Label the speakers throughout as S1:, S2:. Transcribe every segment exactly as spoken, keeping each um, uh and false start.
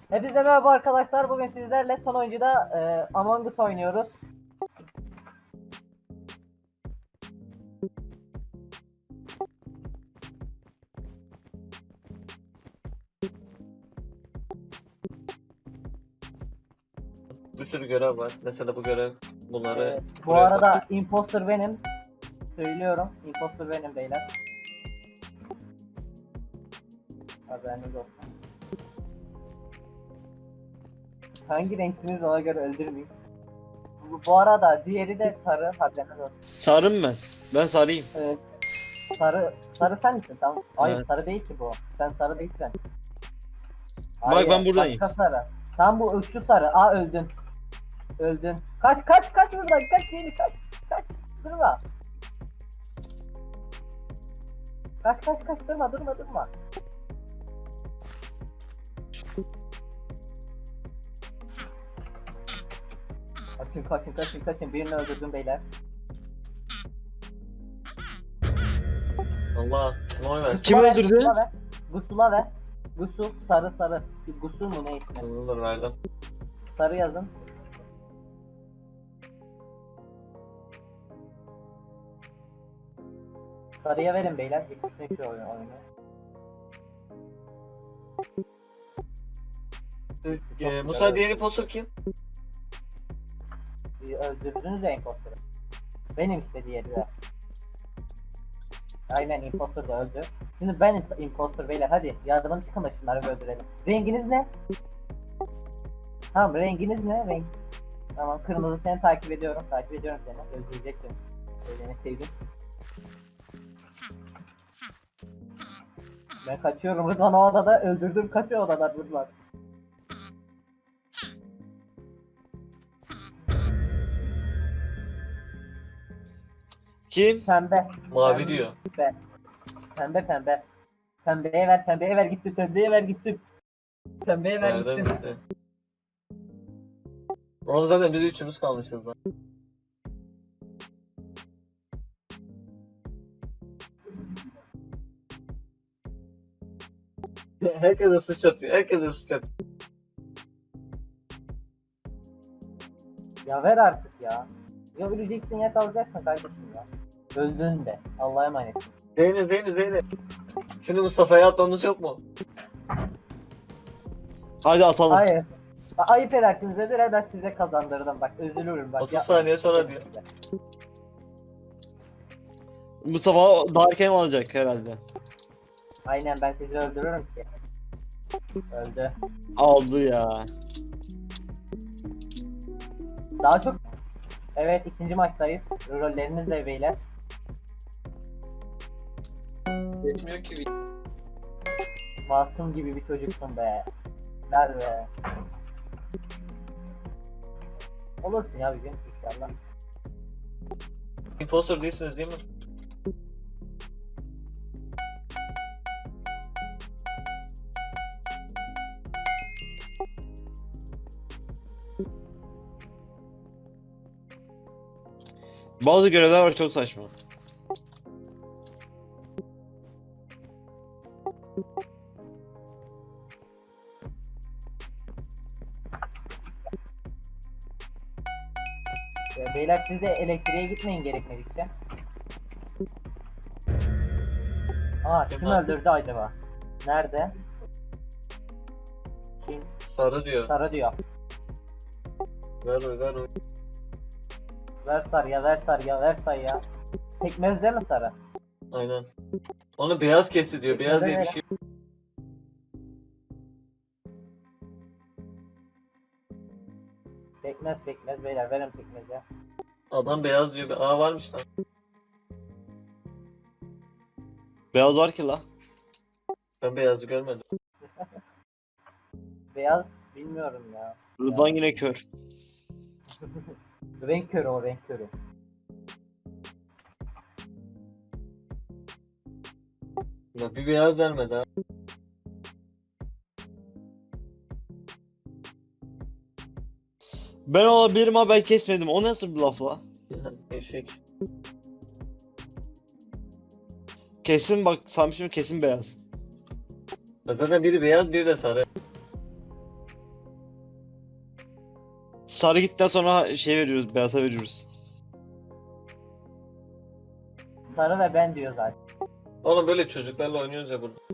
S1: Hepinize merhaba arkadaşlar. Bugün sizlerle son oyuncuda e, Among Us oynuyoruz.
S2: Bir sürü görev var. Mesela bu görev bunları
S1: E, bu
S2: buraya
S1: arada
S2: tak.
S1: imposter benim. Söylüyorum. Imposter benim beyler. Haberiniz olsun. Hangi renksiniz ona göre öldürmeyeyim. Bu, bu arada diğeri de sarı. Haberiniz olsun.
S3: Sarım ben. Ben sarayım.
S1: Evet. Sarı sarı sen misin? Tamam. Hayır
S3: Evet.
S1: sarı değil ki bu. Sen sarı değilsen.
S3: Bak ben buradayım.
S1: Başka sarı. Tam bu şu sarı. Aa öldün. Öldün. Kaç kaç kaç buradan kaç beni kaç. Kaç. Durma. Kaç kaç kaç durma durma durma. Kaçın kaçın kaçın kaçın birini öldürdüm beyler.
S2: Allah kim oy versin?
S3: Kim
S1: Gusula ver,
S3: öldürdü?
S1: Gusula ver. Gusula ver. Gusul sarı sarı. Gusul mu ne ismi?
S2: Olur verdim.
S1: Sarı yazın. Sarıya verin beyler. Bitirsin şu oyunu. oyunu.
S2: Ee, Musa diğer impostor kim?
S1: Bir Öldürdünüz ya imposter'ı. Benim işte diğeri de. Aynen imposter da öldü. Şimdi ben imposter beyler hadi yardım çıkın da şunları bir öldürelim. Renginiz ne? Tamam renginiz ne? Renk. Tamam kırmızı seni takip ediyorum. Takip ediyorum seni. Öldürecektim. Öyleni sevdim. Ben kaçıyorum Rıdvan o odada öldürdüm kaçıyor odadan Rıdvan.
S3: Kim?
S1: Pembe.
S2: Mavi
S1: Pembe.
S2: diyor.
S1: Pembe pembe. Pembeye ver pembeye ver gitsin pembeye ver gitsin. Pembeye ver
S2: Verdim
S1: gitsin.
S2: bitti. Orada zaten biz üçümüz kalmışız lan. Herkese suç atıyor. Herkese suç atıyor.
S1: Ya ver artık ya. Ya öleceksin ya kalacaksın kardeşim ya. Öldün de. Allah'a emanetsin.
S2: Zeynep Zeynep Zeynep. Şimdi Mustafa'ya atmamız yok mu?
S3: Hadi atalım.
S1: Hayır. Bak, ayıp edersiniz öbür ben size kazandırdım bak üzülürüm bak.
S2: otuz
S1: yapmayın.
S2: saniye sonra diyor.
S3: Mustafa Darkem alacak herhalde.
S1: Aynen ben sizi öldürürüm ki. Öldü.
S3: Aldı ya.
S1: Daha çok. Evet ikinci maçtayız. Rolleriniz de beyler.
S2: Geçmiyor ki.
S1: Masum gibi bir çocuksun be. Ver be. Olursun ya bir gün inşallah.
S2: Impostor değilsiniz değil mi?
S3: Bazı görevler var çok saçma.
S1: Ee, Beyler siz de elektriğe gitmeyin gerekmedikçe. Aa kim
S2: Kim
S1: öldürdü acaba? Nerede? Kim?
S2: Sarı diyor.
S1: Sarı diyor.
S2: Ver oy ver oy.
S1: Ver sarıya ver sarıya ver sarıya. Pekmez değil mi sarı?
S2: Aynen. Onu beyaz kesti diyor. Beyaz diye bir
S1: Pekmeze
S2: şey.
S1: Pekmez pekmez beyler verin pekmez ya.
S2: Adam beyaz diyor. Aa varmış lan.
S3: Beyaz var ki la.
S2: Ben beyazı görmedim.
S1: Beyaz bilmiyorum ya.
S3: Rıdvan yine kör.
S1: Renk körü o renk körü.
S2: Ya bir beyaz vermedi ha.
S3: Ben olabilirim ama ben kesmedim. O nasıl bir laf la?
S2: Eşek.
S3: Kesin bak sanmışım kesin beyaz.
S2: Ya zaten biri beyaz biri de sarı.
S3: sarı gittikten sonra şey veriyoruz, beyaza veriyoruz.
S1: Sarı ve ben diyor zaten.
S2: Oğlum böyle çocuklarla oynuyoruz ya burada.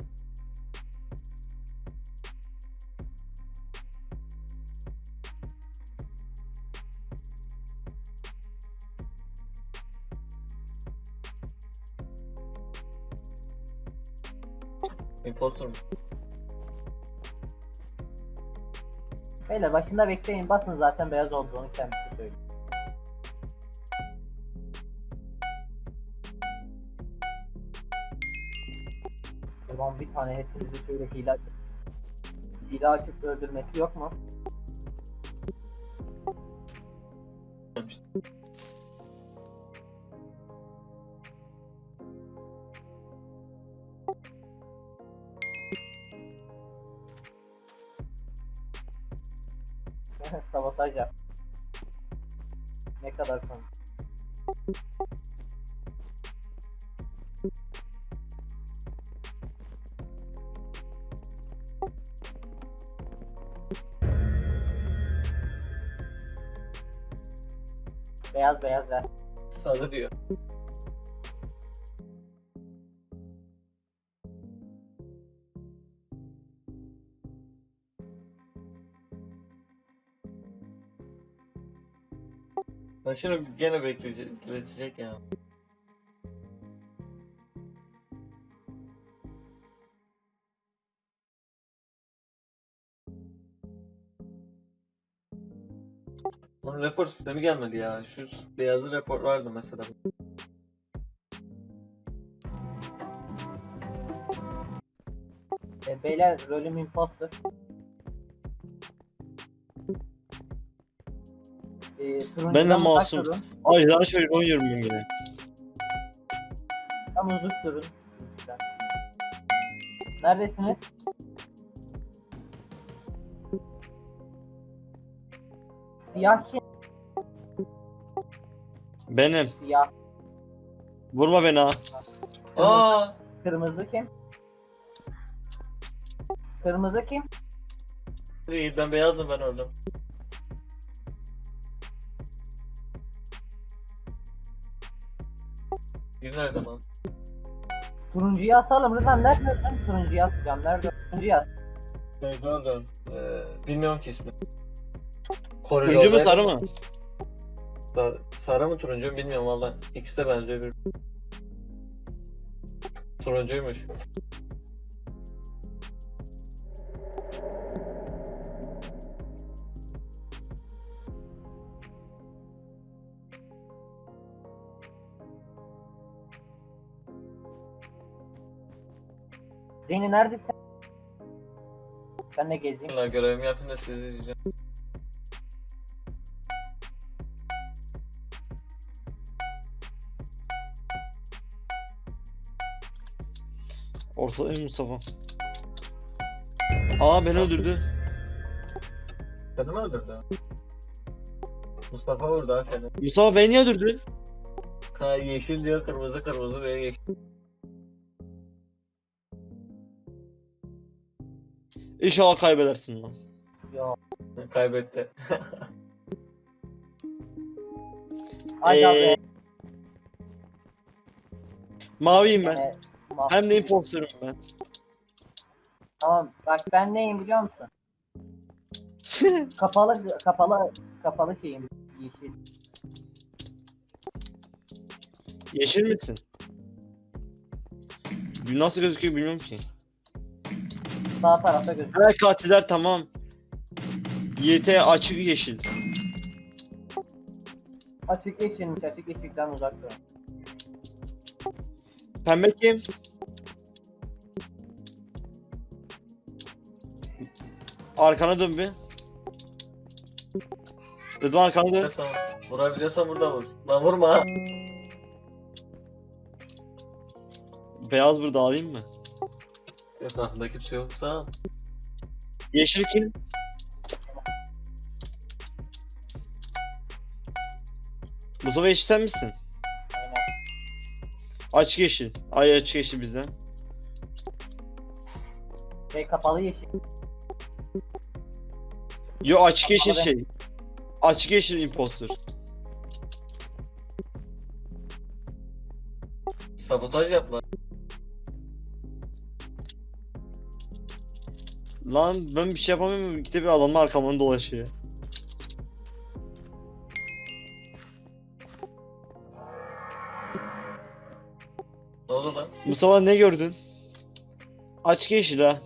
S2: Imposter mu?
S1: Beyler başında bekleyin, basın, zaten beyaz olduğunu kendisi söylüyor. Şuradan bir tane hepimizi şöyle hile açıp hile açıp öldürmesi yok mu? Sabotaj yap. Ne kadar komik. Beyaz beyaz ver.
S2: Sarı diyor. Ben şimdi gene bekleyecek, bekleyecek ya. Lan rapor sistemi gelmedi ya. Şu beyazı rapor vardı mesela.
S1: E, beyler rolüm imposter. E, turuncudan
S3: Ben de
S1: uzak
S3: masum.
S1: durun.
S3: Ay daha çocuk oynuyorum ben yine.
S1: Tam uzak durun. Güzel. Neredesiniz? Siyah kim?
S3: Benim.
S1: Siyah.
S3: Vurma beni ha.
S2: Aa!
S1: Kırmızı kim? Kırmızı kim?
S2: Değil, ben beyazım, ben öldüm. Bir nerede lan?
S1: Turuncuyu asalım. Rıdvan nerede? Ben turuncuyu asacağım. Nerede? Turuncuyu as.
S2: Neydi öldüm? Ee, bilmiyorum ki ismi.
S3: Turuncu mu sarı mı?
S2: Sarı, sarı mı turuncu mu bilmiyorum valla. İkisi de benziyor bir. Turuncuymuş.
S1: Zeyni neredesin? Ben de gezeyim.
S2: Valla görevimi yapayım da sizi izleyeceğim.
S3: Ortadayım Mustafa. Aa beni öldürdü.
S2: Seni mi öldürdü? Mustafa vurdu ha seni.
S3: Mustafa beni niye öldürdün?
S2: Ha, yeşil diyor, kırmızı kırmızı ve yeşil.
S3: İnşallah kaybedersin lan.
S1: Yo.
S2: Kaybetti.
S1: Aga
S3: Ee,
S1: be.
S3: Maviyim ben.
S1: Gene mahvoldu.
S3: Hem de imposterım ben.
S1: Tamam bak ben neyim biliyor musun? kapalı kapalı kapalı şeyim yeşil.
S3: Yeşil misin? Nasıl gözüküyor bilmiyorum ki.
S1: Sağ tarafta gözüküyor.
S3: Ha katiller tamam. Y T açık yeşil.
S1: Açık yeşilmiş, açık yeşilden uzak durun.
S3: Pembe kim? Arkana dön bir. Rıdvan arkana dön.
S2: Vurabiliyorsan, vurabiliyorsan burada vur. Lan vurma ha.
S3: Beyaz burada alayım mı?
S2: Etrafında kimse yoksa.
S3: Yeşil kim? Mustafa yeşil sen misin?
S1: Aynen.
S3: Açık yeşil. Ay açık yeşil bizden.
S1: Şey kapalı yeşil.
S3: Yo açık yeşil
S1: Ama ben-
S3: şey. Açık yeşil imposter.
S2: Sabotaj yap lan.
S3: Lan ben bir şey yapamıyorum. İkide bir adamlar arkamdan dolaşıyor.
S2: Ne oldu lan?
S3: Mustafa ne gördün? Açık yeşil ha.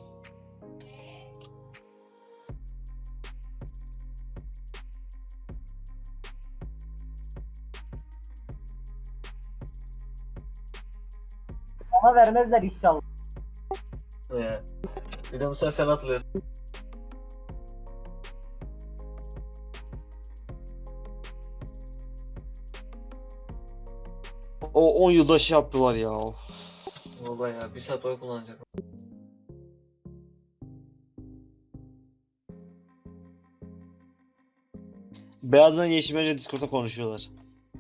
S1: Bana vermezler inşallah.
S2: Ee, bir de Musa sen hatırlıyorsun.
S3: O on yılda şey yaptılar ya.
S2: Baba ya bir saat oy kullanacak.
S3: Beyazdan yeşil bence Discord'da konuşuyorlar.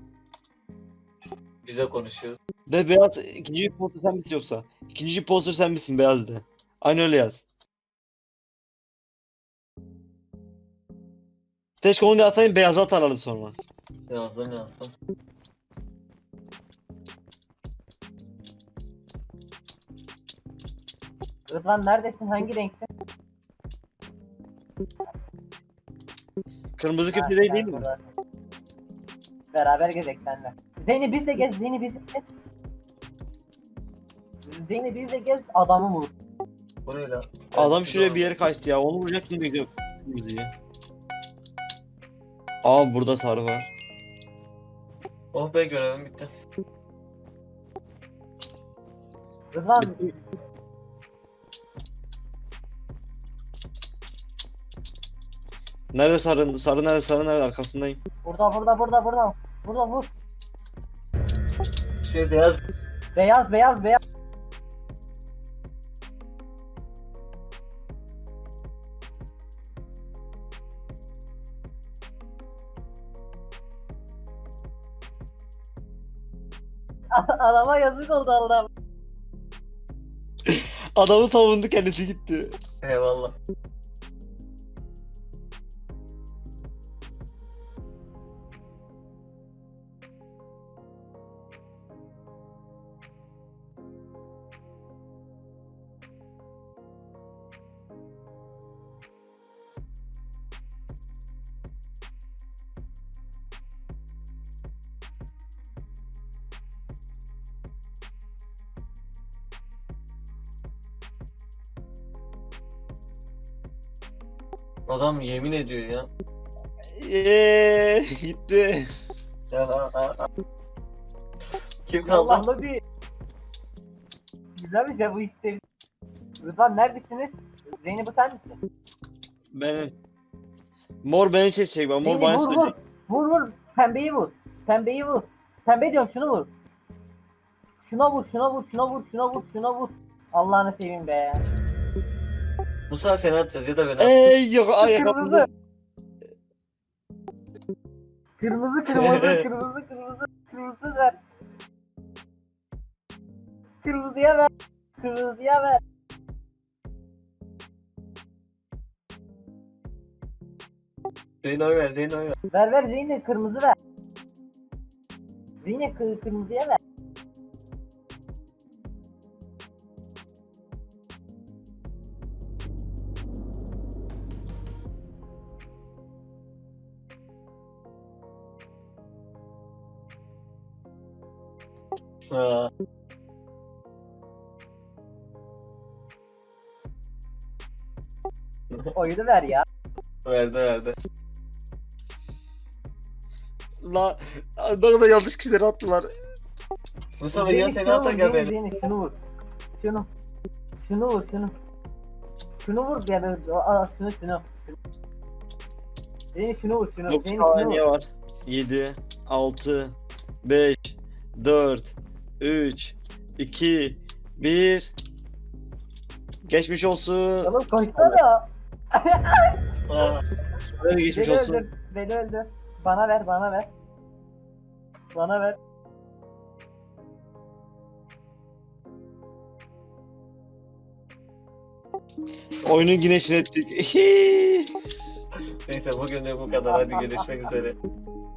S2: Bize konuşuyoruz.
S3: De beyaz ikinci poster sen misin yoksa? İkinci poster sen misin beyaz de. Aynı öyle yaz. Keşke onu da atayım beyaza atarlardı sonra.
S2: Yazdım yazdım.
S1: Rıdvan neredesin? Hangi renksin?
S3: Kırmızı
S1: Ha,
S3: köprü değil,
S1: sen
S3: değil mi?
S1: buradasın. Beraber gezek seninle. Zeyni biz de gez, Zeyni biz de gez. Zeyni biz de gez, adamı vur.
S2: Bu ne lan?
S3: Adam şuraya bir yere kaçtı ya. Onu vuracak şimdi bekliyor kırmızıyı. Aa burada sarı var.
S2: Oh be görevim bitti.
S1: Rıdvan
S3: Bitti. Nerede sarı? Sarı nerede? Sarı nerede? Arkasındayım.
S1: burada burada burada burada. Burada vur.
S2: Bir şey beyaz.
S1: Beyaz beyaz beyaz. Adama yazık oldu Allah'ım.
S3: Adamı savundu kendisi gitti.
S2: Eyvallah. Adam yemin ediyor ya.
S3: Eee gitti.
S2: Ya a, a, a. Kim kaldı?
S1: Allah'ım bir. Güzel bir şey bu istedim. Rıdvan neredesiniz? Zeynep bu sen misin?
S3: Benim. Mor beni çekecek bak. Mor
S1: Zeynep
S3: bana
S1: vur vur.
S3: söyleyecek.
S1: Vur vur. Pembeyi vur. Pembeyi vur. Pembe diyorum şunu vur. Şuna vur, şuna vur, şuna vur, şuna vur, şuna vur. Allah'ını seveyim be.
S2: Musa seni atacağız ya da beni at.
S3: Ey yok ay
S1: Kırmızı.
S3: yakaladım.
S1: Kırmızı, kırmızı, kırmızı, kırmızı, kırmızı ver. Kırmızıya ver. Kırmızıya ver.
S2: Zeyn oy ver, Zeyn oy ver.
S1: Ver ver Zeynep kırmızı ver. Zeynep kı- kırmızıya ver.
S2: Ha.
S1: Oyunu ver ya.
S2: Verdi verdi.
S3: La ne kadar yanlış kişileri attılar.
S2: Musa ben ya
S1: Zeynep
S2: seni
S1: şunu vur,
S2: atar gel
S1: Zeynep,
S2: beni.
S1: Zeynep şunu vur. Şunu. Şunu vur, şunu. Şunu vur ya ben aa, şunu şunu. Zeynep şunu vur, şunu.
S3: dokuz
S1: Zeynep şunu
S3: saniye
S1: vur.
S3: var. yedi, altı, beş, dört, üç, iki, bir. Geçmiş olsun.
S1: Oğlum koşsana.
S2: Ha.
S3: Hadi geçmiş
S1: Beni
S3: olsun.
S1: öldür, beni öldür. Bana ver, bana ver. Bana ver.
S3: Oyunu yine ettik.
S2: Neyse bugünlük bu kadar. Hadi görüşmek üzere.